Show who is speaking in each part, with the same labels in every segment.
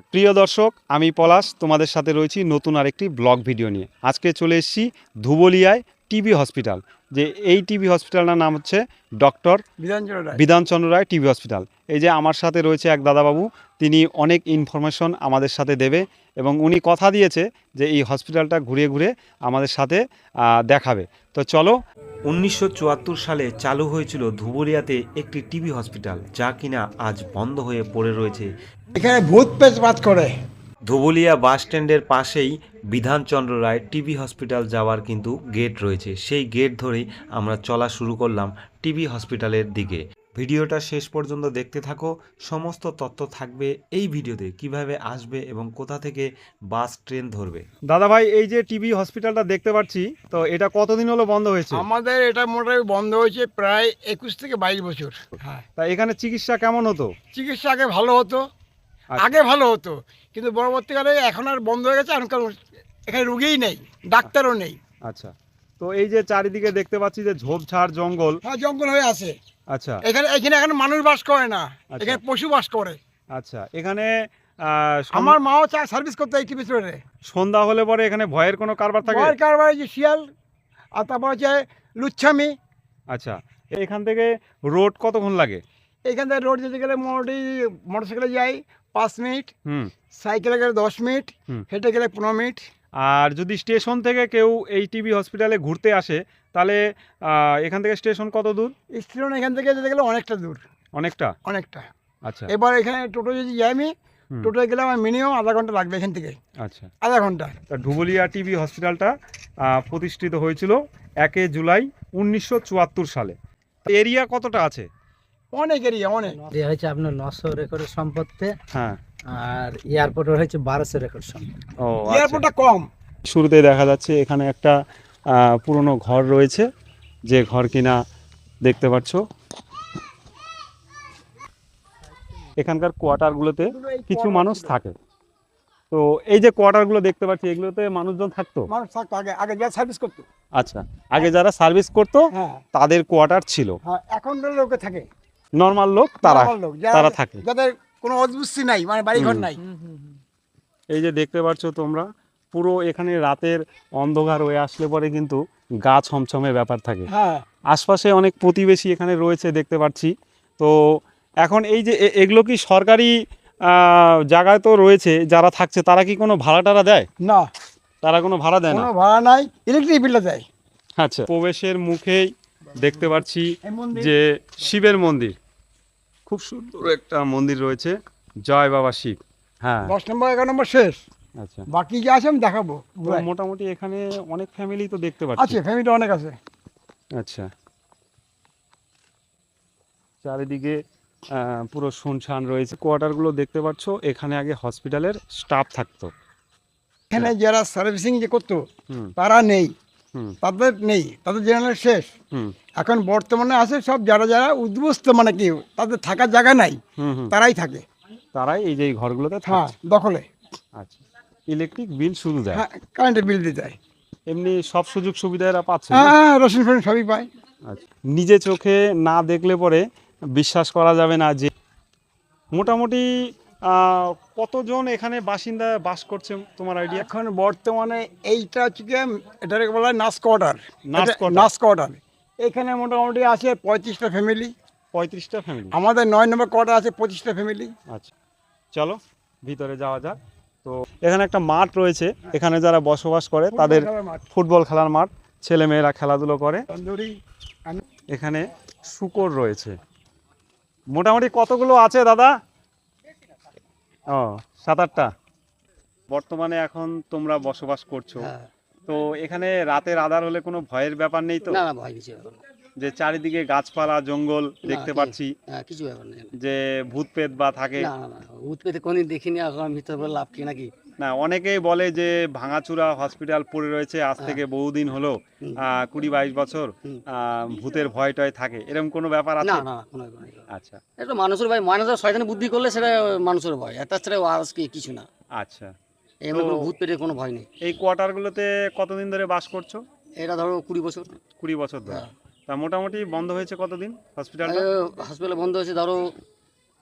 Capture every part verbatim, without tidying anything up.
Speaker 1: প্রিয় দর্শক, আমি পলাশ তোমাদের সাথে রয়েছি নতুন আরেকটি ব্লগ ভিডিও নিয়ে। আজকে চলে এসেছি ধুবুলিয়ায় টিবি হসপিটাল। যে এই টিবি হসপিটালটার নাম হচ্ছে doctor
Speaker 2: Bidhanchandra Roy
Speaker 1: Bidhanchandra Roy TB hospital. এই যে আমার সাথে রয়েছে এক দাদাবাবু, তিনি অনেক ইনফরমেশন আমাদের সাথে দেবে এবং উনি কথা দিয়েছে যে এই হসপিটালটা ঘুরে ঘুরে আমাদের সাথে আহ, দেখাবে। তো চলো। উনিশশো চুয়াত্তর সালে চালু হয়েছিল ধুবুলিয়াতে একটি টিবি হসপিটাল, যা কিনা আজ বন্ধ হয়ে পড়ে রয়েছে।
Speaker 2: এখানে ভূত পেশ বাদ করে।
Speaker 1: ধুবুলিয়া বাস স্ট্যান্ডের পাশেই বিধানচন্দ্র রায় টিবি হসপিটাল যাওয়ার কিন্তু গেট রয়েছে। সেই গেট ধরেই আমরা চলা শুরু করলাম টিবি হসপিটালের দিকে। ভিডিওটা শেষ পর্যন্ত দেখতে থাকো, সমস্ত তথ্য থাকবে এই ভিডিওতে, কিভাবে আসবে এবং কোথা থেকে বাস ট্রেন ধরবে। দাদা ভাই, এই যে টিবি হসপিটালটা দেখতে পাচ্ছি, তো এটা কতদিন হলো বন্ধ হয়েছে?
Speaker 2: আমাদের এটা মোটামুটি বন্ধ হয়েছে প্রায় একুশ থেকে বাইশ বছর। হ্যাঁ,
Speaker 1: তা এখানে চিকিৎসা কেমন হতো?
Speaker 2: চিকিৎসা আগে ভালো হতো,
Speaker 1: আচ্ছা।
Speaker 2: আগে ভালো হতো, কিন্তু পরবর্তীকালে এখন আর বন্ধ হয়ে গেছে। এখন কারণ এখানে রুগীই নেই, ডাক্তারও নেই।
Speaker 1: আচ্ছা, তো এই যে চারিদিকে দেখতে পাচ্ছি যে ঝোপঝাড় জঙ্গল।
Speaker 2: হ্যাঁ, জঙ্গল হয়ে আছে।
Speaker 1: আচ্ছা
Speaker 2: এখানে এখানে এখন মানুষ বাস করে না,
Speaker 1: আচ্ছা।
Speaker 2: এখানে পশু বাস করে।
Speaker 1: আচ্ছা, এখানে আহ, সন-
Speaker 2: আমার মাও চায় সার্ভিস করতে এই টিভি স্টোরে।
Speaker 1: সন্ধ্যা হলে পরে এখানে ভয়ের কোনো কারবার থাকে?
Speaker 2: ভয়ের কারবার যে শিয়াল, আর তারপর হচ্ছে লুচ্ছামি।
Speaker 1: আচ্ছা, এখান থেকে রোড কতক্ষণ লাগে?
Speaker 2: এখান থেকে রোড যেতে গেলে মোটামুটি মোটরসাইকেলে যাই পাঁচ মিনিট,
Speaker 1: হুম
Speaker 2: সাইকেলে গেলে দশ মিনিট,
Speaker 1: হুম।
Speaker 2: হেঁটে গেলে পনেরো মিনিট।
Speaker 1: আর যদি স্টেশন থেকে কেউ এই টিবি হসপিটালে ঘুরতে আসে, তাহলে আহ, এখান থেকে স্টেশন কত দূর?
Speaker 2: স্টেশন এখান থেকে যেতে গেলে অনেকটা দূর,
Speaker 1: অনেকটা।
Speaker 2: অনেকটা।
Speaker 1: আচ্ছা
Speaker 2: এবার এখানে টোটো যদি যাই আমি,
Speaker 1: হুম,
Speaker 2: টোটোয় গেলে আমার মিনিমাম আধা ঘন্টা লাগবে এখান থেকে,
Speaker 1: আচ্ছা।
Speaker 2: আধা ঘন্টা।
Speaker 1: তা ধুবুলিয়া টিবি হসপিটালটা আহ, প্রতিষ্ঠিত হয়েছিল একে জুলাই উনিশশো চুয়াত্তর সালে। এরিয়া কতটা আছে?
Speaker 2: অনেক এরিয়া, অনেক।
Speaker 3: এরিয়া হচ্ছে আপনার নশো রেকর্ডের সম্পত্তি,
Speaker 1: হ্যাঁ।
Speaker 3: আর এয়ারপোর্টের হচ্ছে বারোশো রেকর্ড সম্পত্তি।
Speaker 1: ও আচ্ছা।
Speaker 2: এয়ারপোর্টটা কম।
Speaker 1: শুরুতে দেখা যাচ্ছে এখানে একটা আহ, পুরনো ঘর রয়েছে, যে ঘর কিনা দেখতে পাচ্ছ। এখানকার কোয়ার্টারগুলোতে কিছু মানুষ থাকে। তো এই যে কোয়ার্টারগুলো দেখতে পাচ্ছি, এগুলোতে মানুষজন থাকতো?
Speaker 2: মানুষ থাকতো আগে, আগে যা সার্ভিস করতো।
Speaker 1: আচ্ছা, আগে যারা সার্ভিস করতো
Speaker 2: হ্যাঁ,
Speaker 1: তাদের কোয়ার্টার ছিল।
Speaker 2: হ্যাঁ, এখন লোকে থাকে,
Speaker 1: নর্মাল লোক তারা
Speaker 2: normal লোক, যারা-
Speaker 1: তারা থাকে।
Speaker 2: যাদের কোনো অদ্ভুস্তি নাই, মানে বাড়িঘর
Speaker 1: হুম।
Speaker 2: নাই।
Speaker 1: এই যে দেখতে পাচ্ছ তোমরা, পুরো এখানে রাতের অন্ধকার হয়ে আসলে পরে কিন্তু গা ছমছমে ব্যাপার থাকে।
Speaker 2: হ্যাঁ,
Speaker 1: আশপাশে অনেক প্রতিবেশী এখানে রয়েছে দেখতে পাচ্ছি। তো এখন এই যে এ- এগুলো কি সরকারি আহ, জায়গায় তো রয়েছে, যারা থাকছে তারা কি কোনো ভাড়া টাড়া দেয়?
Speaker 2: না,
Speaker 1: তারা কোনো ভাড়া দেয় না?
Speaker 2: কোনো ভাড়া নাই, ইলেকট্রিক বিলটা দেয়।
Speaker 1: আচ্ছা, প্রবেশের মুখেই দেখতে পাচ্ছি
Speaker 2: এই মন্দির।
Speaker 1: যে শিবের মন্দির, খুব সুন্দর একটা মন্দির রয়েছে, জয় বাবা শিব। হ্যাঁ,
Speaker 2: দশ নম্বর এগারো নম্বর শেষ,
Speaker 1: আচ্ছা।
Speaker 2: বাকি যে আছে আমি দেখাবো।
Speaker 1: তো মোটামুটি এখানে অনেক ফ্যামিলি তো দেখতে পাচ্ছি।
Speaker 2: আছে, ফ্যামিলি অনেক আছে।
Speaker 1: আচ্ছা, চারিদিকে আহ, পুরো শুনশান রয়েছে। কোয়ার্টারগুলো দেখতে পাচ্ছ, এখানে আগে হসপিটালের স্টাফ থাকতো।
Speaker 2: এখানে যারা সার্ভিসিং যে করতো
Speaker 1: হুম
Speaker 2: তারা নেই,
Speaker 1: হুম
Speaker 2: তাদের নেই, তাদের জেনারেল শেষ।
Speaker 1: হুম
Speaker 2: এখন বর্তমানে আছে সব যারা যারা উদ্বস্ত, মানে কি তাদের থাকার জায়গা নাই,
Speaker 1: হুম হুম।
Speaker 2: তারাই থাকে।
Speaker 1: তারাই এই যে এই ঘরগুলোতে
Speaker 2: হ্যাঁ,
Speaker 1: থাকছে।
Speaker 2: দখলে।
Speaker 1: আচ্ছা, ইলেকট্রিক বিল শুধু দেয়?
Speaker 2: হ্যাঁ, কারেন্টের বিল দিতে হয়।
Speaker 1: এমনি সব সুযোগ সুবিধা এরা পাচ্ছে না?
Speaker 2: হ্যাঁ, রসুন ফসুন সবই পায়।
Speaker 1: আচ্ছা, নিজে চোখে না দেখলে পরে বিশ্বাস করা যাবে না যে মোটামুটি আহ, কতজন এখানে বাসিন্দা বাস করছে, তোমার আইডিয়া?
Speaker 2: এখন বর্তমানে এইটা হচ্ছে কি, এটাকে বলা হয় নাস কোয়ার্টার।
Speaker 1: নাস কোয়ার্টার।
Speaker 2: নাস কোয়ার্টার এখানে মোটামুটি আছে পঁয়ত্রিশটা ফ্যামিলি।
Speaker 1: পঁয়ত্রিশটা ফ্যামিলি।
Speaker 2: আমাদের নয় নম্বর কোয়ার্টার আছে পঁচিশটা ফ্যামিলি।
Speaker 1: আচ্ছা, চলো ভিতরে যাওয়া যাক। তো এখানে একটা মাঠ রয়েছে, এখানে যারা বসবাস করে তাদের ফুটবল খেলার মাঠ, ছেলে মেয়েরা খেলাধুলো করে।
Speaker 2: তন্দুরি।
Speaker 1: এখানে শূকর রয়েছে, মোটামুটি কতগুলো আছে দাদা? ও, সাত আটটা। বর্তমানে এখন তোমরা বসবাস করছো,
Speaker 3: হ্যাঁ।
Speaker 1: তো এখানে রাতের আধার হলে কোনো ভয়ের ব্যাপার নেই তো?
Speaker 3: না না, ভয় কিছু ব্যাপার না।
Speaker 1: যে চারিদিকে গাছপালা জঙ্গল দেখতে
Speaker 3: না,
Speaker 1: পাচ্ছি,
Speaker 3: হ্যাঁ, কিছু ব্যাপার নেই।
Speaker 1: যে ভূত প্রেত বা থাকে?
Speaker 3: না না না, ভূত পেতে কোনদিন দেখিনি, এখন ভিতরে বলে লাভ কি নাকি?
Speaker 1: না, অনেকেই বলে যে ভাঙাচুরা হসপিটাল পড়ে রয়েছে আজ থেকে বহুদিন হলো,
Speaker 3: হুম।
Speaker 1: আহ, কুড়ি বাইশ বছর,
Speaker 3: হুম।
Speaker 1: আহ, ভূতের ভয় টয় থাকে, এরকম কোনো ব্যাপার
Speaker 3: না
Speaker 1: আছে?
Speaker 3: না না, কোনো ব্যাপার নেই।
Speaker 1: আচ্ছা
Speaker 3: এটা মানুষের ভয়, মানুষের শয়তানি বুদ্ধি করলে সেটা মানুষের ভয়, এটা ছাড়া আর কি কিছু না।
Speaker 1: আচ্ছা।
Speaker 3: এমনি
Speaker 1: তো-
Speaker 3: কোনো ভূত পেটে কোনো ভয় নেই।
Speaker 1: এই কোয়ার্টারগুলোতে কতদিন ধরে বাস করছো?
Speaker 3: এটা ধরো কুড়ি বছর।
Speaker 1: কুড়ি বছর ধরে।
Speaker 3: হ্যাঁ।
Speaker 1: তা মোটামুটি বন্ধ হয়েছে কতদিন হসপিটালটা?
Speaker 3: হসপিটাল বন্ধ হয়েছে ধরো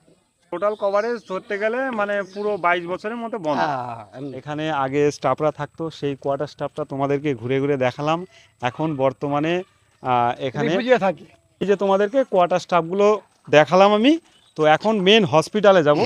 Speaker 4: টোটাল কভারেজ ধরতে গেলে মানে পুরো বাইশ বছরের মতো বন্ধ।
Speaker 3: হ্যাঁ, এমনি।
Speaker 4: এখানে আগে স্টাফরা থাকতো, সেই কোয়ার্টার স্টাফটা তোমাদেরকে ঘুরে ঘুরে দেখালাম। এখন বর্তমানে আহ, এখানে
Speaker 2: রিফিউজিয়ে থাকি।
Speaker 4: এই যে তোমাদেরকে কোয়ার্টার স্টাফগুলো দেখালাম আমি। তো এখন মেন হসপিটালে যাব।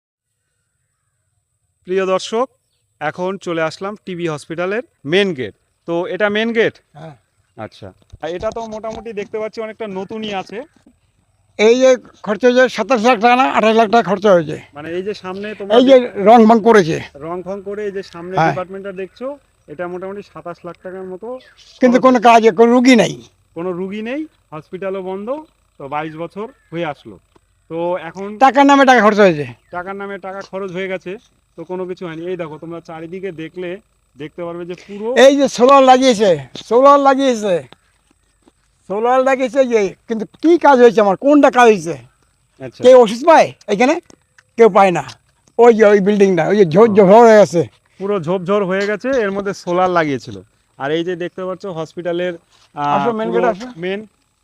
Speaker 4: প্রিয় দর্শক, এখন চলে আসলাম টিবি হসপিটালের মেন গেট। তো এটা মেন গেট।
Speaker 2: হ্যাঁ।
Speaker 4: আচ্ছা, আর এটা তো মোটামুটি দেখতে পাচ্ছি অনেকটা নতুনই আছে।
Speaker 2: এই যে খরচা হয়েছে সাতাশ লাখ টাকা না আঠাশ লাখ টাকা খরচা হয়েছে।
Speaker 4: মানে এই যে সামনে তোমার
Speaker 2: এই যে রং ভাং করেছে,
Speaker 4: রং ফং করে এই যে সামনে
Speaker 2: হ্যাঁ।
Speaker 4: ডিপার্টমেন্টটা দেখছো, এটা মোটামুটি সাতাশ লাখ টাকার মতো।
Speaker 2: কিন্তু
Speaker 4: খরচ
Speaker 2: কোনো কাজে কোনো রুগী নাই।
Speaker 4: কোনো রুগী নেই, হসপিটালও বন্ধ। তো বাইশ বছর হয়ে আসলো। তো এখন
Speaker 2: টাকার নামে টাকা খরচা হয়েছে।
Speaker 4: টাকার নামে টাকা খরচ হয়ে গেছে, তো কোনো কিছু হয়নি। এই দেখো, তোমরা চারিদিকে দেখলে দেখতে পারবে যে পুরো
Speaker 2: এই যে সোলার লাগিয়েছে, সোলার লাগিয়েছে, সোলার লাগিয়েছে যে, কিন্তু কি কাজ হয়েছে আমার, কোনটা কাজ হয়েছে?
Speaker 4: আচ্ছা
Speaker 2: কেউ ওষুধ পায় এখানে? কেউ পায় না। ওই যে ওই বিল্ডিংটা ওই যে ঝোর ঝোর হয়ে গেছে।
Speaker 4: পুরো ঝোপঝোর হয়ে গেছে, এর মধ্যে সোলার লাগিয়েছিল। আর এই যে দেখতে পাচ্ছ হসপিটালের
Speaker 2: আসো, main gate আসো।
Speaker 4: মেন।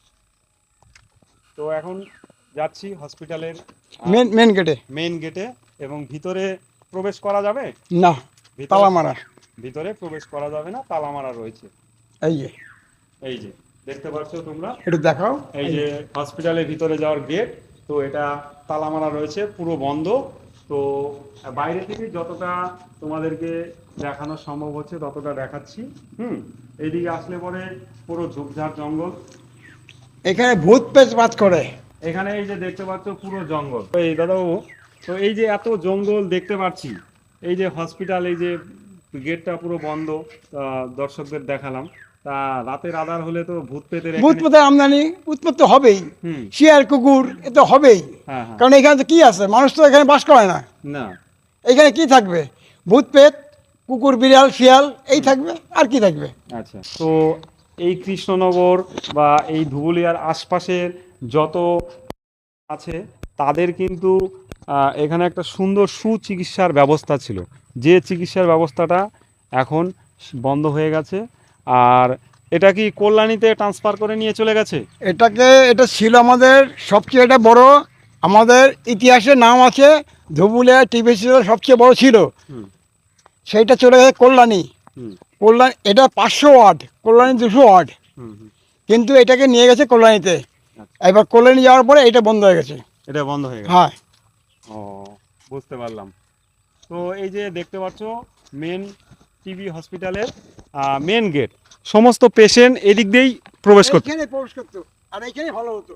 Speaker 4: তো এখন যাচ্ছি হসপিটালের
Speaker 2: মেন মেন গেটে।
Speaker 4: মেন গেটে, এবং ভিতরে প্রবেশ করা যাবে
Speaker 2: না,
Speaker 4: ভিতরে-
Speaker 2: তালা মারা।
Speaker 4: ভিতরে প্রবেশ করা যাবে না, তালা মারা রয়েছে।
Speaker 2: এই যে
Speaker 4: এই যে দেখতে পাচ্ছ তোমরা,
Speaker 2: একটু দেখাও।
Speaker 4: এই যে হসপিটালের ভিতরে যাওয়ার গেট। তো এটা তালা মারা রয়েছে, পুরো বন্ধ। তো বাইরে থেকে যতটা তোমাদেরকে দেখানো সম্ভব হচ্ছে ততটা দেখাচ্ছি। হুম, এইদিকে আসলে পরে পুরো ঝোপঝাড় জঙ্গল।
Speaker 2: এখানে ভূত পেচ বাজ করে।
Speaker 4: এখানে এই যে দেখতে পাচ্ছ পুরো জঙ্গল। তো এই দাদাবাবু, তো এই যে এত জঙ্গল দেখতে পাচ্ছি, এই যে হসপিটাল, এই যে গেটটা পুরো বন্ধ, আহ, দর্শকদের দেখালাম। তা রাতের আধার হলে তো ভূত পেতের
Speaker 2: ভূত
Speaker 4: এখানে-
Speaker 2: পেতের আমদানি উৎপত্তি হবেই।
Speaker 4: হুম,
Speaker 2: শিয়াল কুকুর এ তো হবেই।
Speaker 4: হ্যাঁ হ্যাঁ,
Speaker 2: কারণ এখানে তো কি আছে, মানুষ তো এখানে বাস করে না।
Speaker 4: না
Speaker 2: এখানে কি থাকবে? ভূত পেত, কুকুর বিড়াল শিয়াল এই থাকবে, আর কি থাকবে?
Speaker 4: আচ্ছা। তো এই কৃষ্ণনগর বা এই ধুবুলিয়ার আশপাশের যত আছে তাদের কিন্তু আহ, এখানে একটা সুন্দর সুচিকিৎসার ব্যবস্থা ছিল, যে চিকিৎসার ব্যবস্থাটা এখন বন্ধ হয়ে গেছে। আর এটা কি কল্যাণীতে ট্রান্সফার করে নিয়ে চলে গেছে?
Speaker 2: এটাকে এটা ছিল আমাদের সবচেয়ে এটা বড়, আমাদের ইতিহাসে নাম আছে ধুবুলিয়া টিভি সিরিয়াল সবচেয়ে বড় ছিল।
Speaker 4: হুম
Speaker 2: সেইটা চলে গেছে কল্যাণী।
Speaker 4: হুম
Speaker 2: কল্যাণ এটা পাঁচশো ওয়ার্ড, কল্যাণী দুশো ওয়ার্ড,
Speaker 4: হুম হুম।
Speaker 2: কিন্তু এটাকে নিয়ে গেছে কল্যাণীতে।
Speaker 4: আচ্ছা।
Speaker 2: এবার কল্যাণী যাওয়ার পরে এটা বন্ধ হয়ে গেছে।
Speaker 4: এটা বন্ধ হয়ে গেছে।
Speaker 2: হ্যাঁ,
Speaker 4: ও, বুঝতে পারলাম। তো এই যে দেখতে পাচ্ছ মেন টিবি হসপিটালের মেন গেট, সমস্ত পেশেন্ট এদিক দিয়েই প্রবেশ করতে।
Speaker 2: এইখানে প্রবেশ করতো, আর এইখানে ভালো হতো,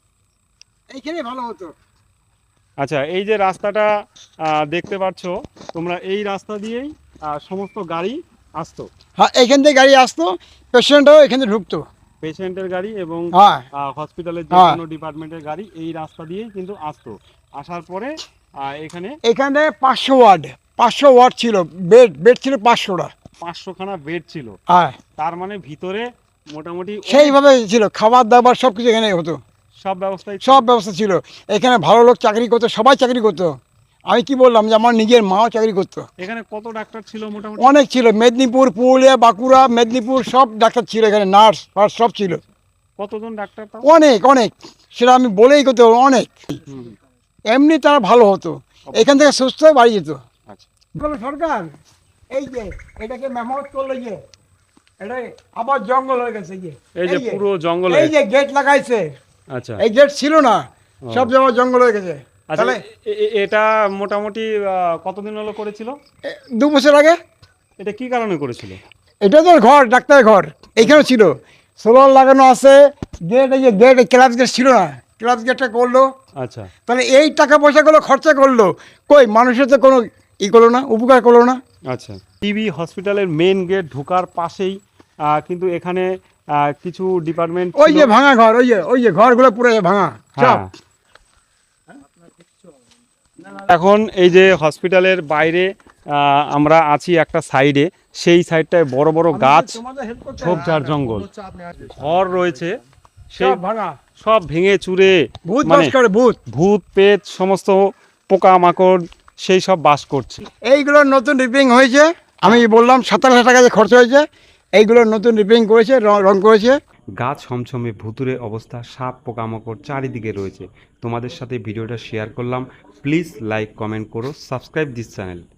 Speaker 2: এইখানে ভালো হতো।
Speaker 4: আচ্ছা, এই যে রাস্তাটা আহ, দেখতে পাচ্ছ তোমরা, এই রাস্তা দিয়েই আহ, সমস্ত গাড়ি আসতো,
Speaker 2: হ্যাঁ, এইখান থেকে গাড়ি আসতো, পেশেন্টও এখানে ঢুকতো।
Speaker 4: পেশেন্টের গাড়ি এবং
Speaker 2: হ্যাঁ,
Speaker 4: হসপিটালের যে
Speaker 2: হ্যাঁ।
Speaker 4: কোনো ডিপার্টমেন্টের গাড়ি এই রাস্তা দিয়েই কিন্তু আসতো। আসার পরে আহ, এখানে
Speaker 2: এখানে পাঁচশো ওয়ার্ড, পাঁচশো ওয়ার্ড ছিল, বেড বেড ছিল পাঁচশোটা।
Speaker 4: পাঁচশোখানা বেড ছিল।
Speaker 2: হ্যাঁ,
Speaker 4: তার মানে ভিতরে মোটামুটি অনেক-
Speaker 2: সেইভাবে ছিল, খাবার দাবার সব কিছু এখানে হতো,
Speaker 4: সব ব্যবস্থাই ছিল।
Speaker 2: সব ব্যবস্থা ছিল। এখানে ভালো লোক চাকরি করতো, সবাই চাকরি করতো। আমি কি বললাম যে আমার নিজের মাও চাকরি করতো।
Speaker 4: এখানে কত ডাক্তার ছিল মোটামুটি?
Speaker 2: অনেক ছিল, মেদিনীপুর, পুরুলিয়া, বাঁকুড়া, মেদিনীপুর সব ডাক্তার ছিল এখানে, নার্স ফার্স সব ছিল।
Speaker 4: কতজন ডাক্তার তাও?
Speaker 2: অনেক অনেক, সেটা আমি বলেই করতে পারবো, অনেক।
Speaker 4: হুম,
Speaker 2: এমনি তারা ভালো হতো, এখান থেকে সুস্থ হয়ে বাড়ি যেত।
Speaker 4: আচ্ছা।
Speaker 2: বলো সরকার, এই যে এটাকে মেরামত করলো, যে এটা আবার জঙ্গল হয়ে গেছে, যে
Speaker 4: এই যে পুরো জঙ্গল
Speaker 2: এই যে গেট লাগাইছে,
Speaker 4: আচ্ছা
Speaker 2: এই গেট ছিল না, সব জায়গায় জঙ্গল হয়ে গেছে।
Speaker 4: আচ্ছা,
Speaker 2: তাহলে
Speaker 4: এ- এ- এটা মোটামুটি আহ, কতদিন হলো করেছিল?
Speaker 2: এ, দু বছর আগে
Speaker 4: এটা কি কারণে করেছিল?
Speaker 2: এটা তো ঘর, ডাক্তারের ঘর এইখানে ছিল, সোলার লাগানো আছে, গেট, এই যে গেট, ক্লাস গেট ছিল না, ক্লাস গেটটা করলো।
Speaker 4: আচ্ছা,
Speaker 2: তাহলে এই টাকা পয়সাগুলো খরচা করলো, কই মানুষের তো কোনো ই করলো না, উপকার করলো না।
Speaker 4: আচ্ছা। টিবি হসপিটালের মেন গেট ঢোকার পাশেই আহ, কিন্তু এখানে আহ, কিছু ডিপার্টমেন্ট
Speaker 2: ওই যে ভাঙা ঘর, ওই যে ওই যে ঘরগুলো পুরো ভাঙা সব।
Speaker 4: এখন এই যে হসপিটালের বাইরে আহ, আমরা আছি একটা সাইডে, সেই সাইডটায় বড় বড় গাছ, ঝোপঝাড় জঙ্গল, ঘর রয়েছে, সেই
Speaker 2: সব ভাঙা,
Speaker 4: সব ভেঙে চুরে
Speaker 2: ভূত
Speaker 4: মানে
Speaker 2: বাস করে, ভূত।
Speaker 4: ভূত পেট সমস্ত পোকা মাকড় সেই সব বাস করছে।
Speaker 2: এইগুলো নতুন রিপেয়ারিং হয়েছে, আমি বললাম সাতাশ হাজার টাকা যে খরচ হয়েছে, এইগুলো নতুন রিপেয়ারিং করেছে, রং রং করেছে।
Speaker 4: গাছ ছমছমে ভুতুরে অবস্থা, সাপ পোকামাকড় চারিদিকে রয়েছে। তোমাদের সাথে ভিডিওটা শেয়ার করলাম। প্লিজ লাইক কমেন্ট করো, সাবস্ক্রাইব দিস চ্যানেল।